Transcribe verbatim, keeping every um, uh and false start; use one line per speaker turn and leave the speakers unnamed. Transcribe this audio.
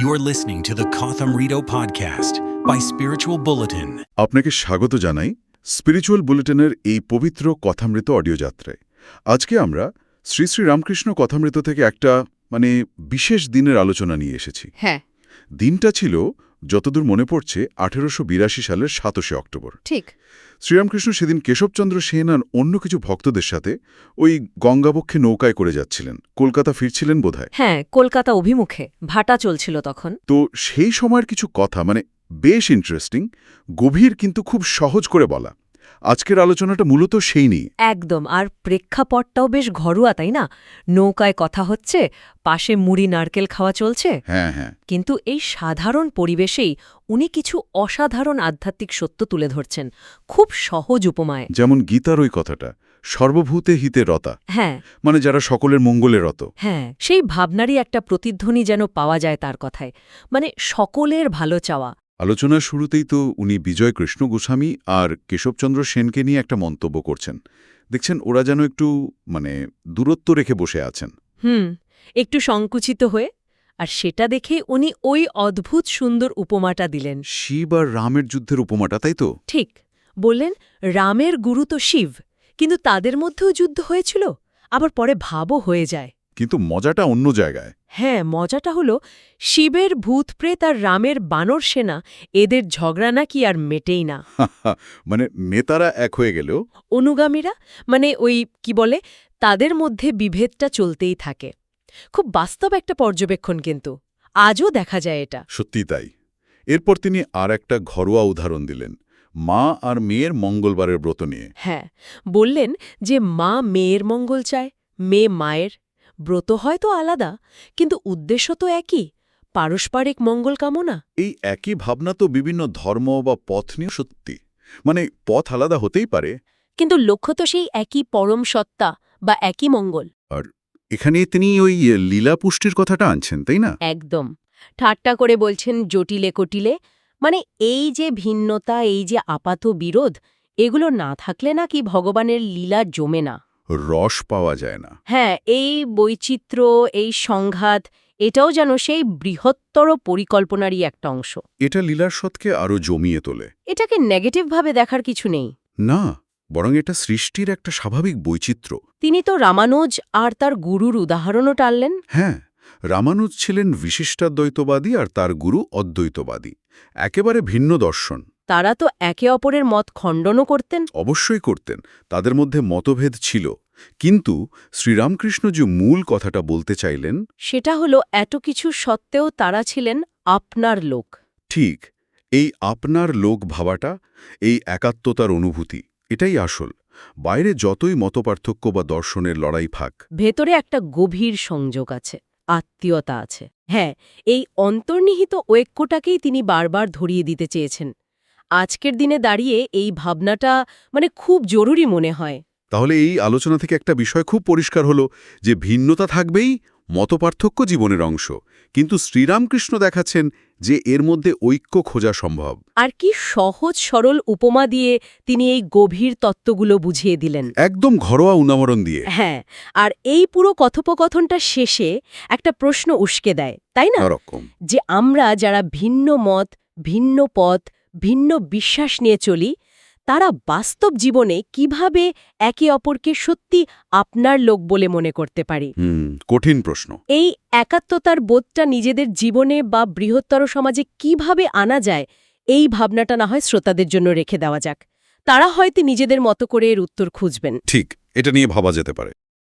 You're listening to the Kotham Rito podcast by Spiritual Bulletin.
আপনাকে স্বাগত জানাই spiritual বুলেটিনের এই পবিত্র কথামৃত অডিও যাত্রায়। আজকে আমরা শ্রী শ্রী রামকৃষ্ণ কথামৃত থেকে একটা মানে বিশেষ দিনের আলোচনা নিয়ে এসেছি।
হ্যাঁ,
দিনটা ছিল যতদূর মনে পড়ছে আঠেরোশো বিরাশি সালের সাতাশে অক্টোবর।
ঠিক।
শ্রীরামকৃষ্ণ সেদিন কেশবচন্দ্র সেন আর অন্য কিছু ভক্তদের সাথে ওই গঙ্গাবক্ষে নৌকায় করে যাচ্ছিলেন, কলকাতা ফিরছিলেন বোধহয়।
হ্যাঁ, কলকাতা অভিমুখে ভাটা চলছিল তখন।
তো সেই সময়ের কিছু কথা মানে বেশ ইন্টারেস্টিং, গভীর কিন্তু খুব সহজ করে বলা। আজকের আলোচনাটা মূলত সেই নিয়ে।
একদম। আর প্রেক্ষাপটটাও বেশ ঘরোয়া, তাই না? নৌকায় কথা হচ্ছে, পাশে মুড়ি নারকেল খাওয়া চলছে।
হ্যাঁ হ্যাঁ
কিন্তু এই সাধারণ পরিবেশেই উনি কিছু অসাধারণ আধ্যাত্মিক সত্য তুলে ধরছেন, খুব সহজ উপমায়।
যেমন গীতার ওই কথাটা, সর্বভূতে হিতে রতা,
হ্যাঁ
মানে যারা সকলের মঙ্গলে রত।
হ্যাঁ, সেই ভাবনারই একটা প্রতিধ্বনি যেন পাওয়া যায় তার কথায়, মানে সকলের ভালো চাওয়া।
আলোচনার শুরুতেই তো উনি বিজয় কৃষ্ণ গোস্বামী আর কেশবচন্দ্র সেনকে নিয়ে একটা মন্তব্য করছেন। দেখছেন ওরা যেন একটু মানে দূরত্ব রেখে বসে আছেন।
হুম, একটু সংকুচিত হয়ে। আর সেটা দেখে উনি ওই অদ্ভুত সুন্দর উপমাটা দিলেন।
শিব আর রামের যুদ্ধের উপমাটা, তাই তো?
ঠিক। বললেন, রামের গুরু তো শিব, কিন্তু তাদের মধ্যেও যুদ্ধ হয়েছিল, আবার পরে ভাবও হয়ে যায়।
কিন্তু মজাটা অন্য জায়গায়।
হ্যাঁ, মজাটা হলো শিবের ভূতপ্রেত আর রামের বানর সেনা, এদের ঝগড়া নাকি আর মেটেই না।
মানে নেতারা এক হয়ে গেলেও
অনুগামীরা, মানে ওই কি বলে, তাদের মধ্যে বিভেদটা চলতেই থাকে। খুব বাস্তব একটা পর্যবেক্ষণ, কিন্তু আজও দেখা যায় এটা।
সত্যি তাই। এরপর তিনি আর একটা ঘরোয়া উদাহরণ দিলেন, মা আর মেয়ের মঙ্গলবারের ব্রত নিয়ে।
হ্যাঁ, বললেন যে মা মেয়ের মঙ্গল চায়, মেয়ে মায়ের। ব্রত হয়তো আলাদা, কিন্তু উদ্দেশ্য তো একই, পারস্পরিক মঙ্গল কামনা।
এই একই ভাবনা তো বিভিন্ন ধর্ম বা পথ নিয়ে সত্যি। মানে পথ আলাদা হতেই পারে,
কিন্তু লক্ষ্য তো সেই একই পরম সত্তা বা একই মঙ্গল।
আর এখানে তিনি ওই লীলা পুষ্টির কথাটা আনছেন, তাই না?
একদম। ঠাট্টা করে বলছেন জটিলে কটিলে, মানে এই যে ভিন্নতা, এই যে আপাত বিরোধ, এগুলো না থাকলে নাকি ভগবানের লীলা জমে না,
রস পাওয়া যায় না।
হ্যাঁ, এই বৈচিত্র্য, এই সংঘাত, এটাও যেন সেই বৃহত্তর পরিকল্পনারই একটা অংশ।
এটা লীলার স্বতকে আরও জমিয়ে তোলে।
এটাকে নেগেটিভভাবে দেখার কিছু নেই।
না, বরং এটা সৃষ্টির একটা স্বাভাবিক বৈচিত্র্য।
তিনি তো রামানুজ আর তার গুরুর উদাহরণও টানলেন।
হ্যাঁ, রামানুজ ছিলেন বিশিষ্টাদ্বৈতবাদী আর তার গুরু অদ্বৈতবাদী, একেবারে ভিন্ন দর্শন।
তারা তো একে অপরের মত খণ্ডনও করতেন।
অবশ্যই করতেন, তাদের মধ্যে মতভেদ ছিল, কিন্তু শ্রীরামকৃষ্ণ যে মূল কথাটা বলতে চাইলেন
সেটা হলো এত কিছু সত্ত্বেও তারা ছিলেন আপনার লোক।
ঠিক, এই আপনার লোক ভাবাটা, এই একাত্মতার অনুভূতি, এটাই আসল। বাইরে যতই মতপার্থক্য বা দর্শনের লড়াই থাক,
ভেতরে একটা গভীর সংযোগ আছে, আত্মীয়তা আছে। হ্যাঁ, এই অন্তর্নিহিত ঐক্যটাকেই তিনি বারবার ধরিয়ে দিতে চেয়েছেন। আজকের দিনে দাঁড়িয়ে এই ভাবনাটা মানে খুব জরুরি মনে হয়।
তাহলে এই আলোচনা থেকে একটা বিষয় খুব পরিষ্কার হলো যে ভিন্নতা থাকবেই, মতপার্থক্য জীবনের অংশ, কিন্তু শ্রীরামকৃষ্ণ দেখাচ্ছেন যে এর মধ্যে ঐক্য খোঁজা সম্ভব।
আর কি সহজ সরল উপমা দিয়ে তিনি এই গভীর তত্ত্বগুলো বুঝিয়ে দিলেন,
একদম ঘরোয়া উদাহরণ দিয়ে।
হ্যাঁ। আর এই পুরো কথোপকথনটা শেষে একটা প্রশ্ন উস্কে দেয়, তাই না?
এরকম
যে আমরা যারা ভিন্ন মত, ভিন্ন পথ, ভিন্ন বিশ্বাস নিয়ে চলি, তারা বাস্তব জীবনে কিভাবে একে অপরকে সত্যি আপনার লোক বলে মনে করতে পারি।
হুম, কঠিন প্রশ্ন।
এই একাত্মতার বোধটা নিজেদের জীবনে বা বৃহত্তর সমাজে কিভাবে আনা যায়, এই ভাবনাটা না হয় শ্রোতাদের জন্য রেখে দেওয়া যাক। তারা হয়তো নিজেদের মতো করে এর উত্তর খুঁজবেন।
ঠিক, এটা নিয়ে ভাবা যেতে পারে।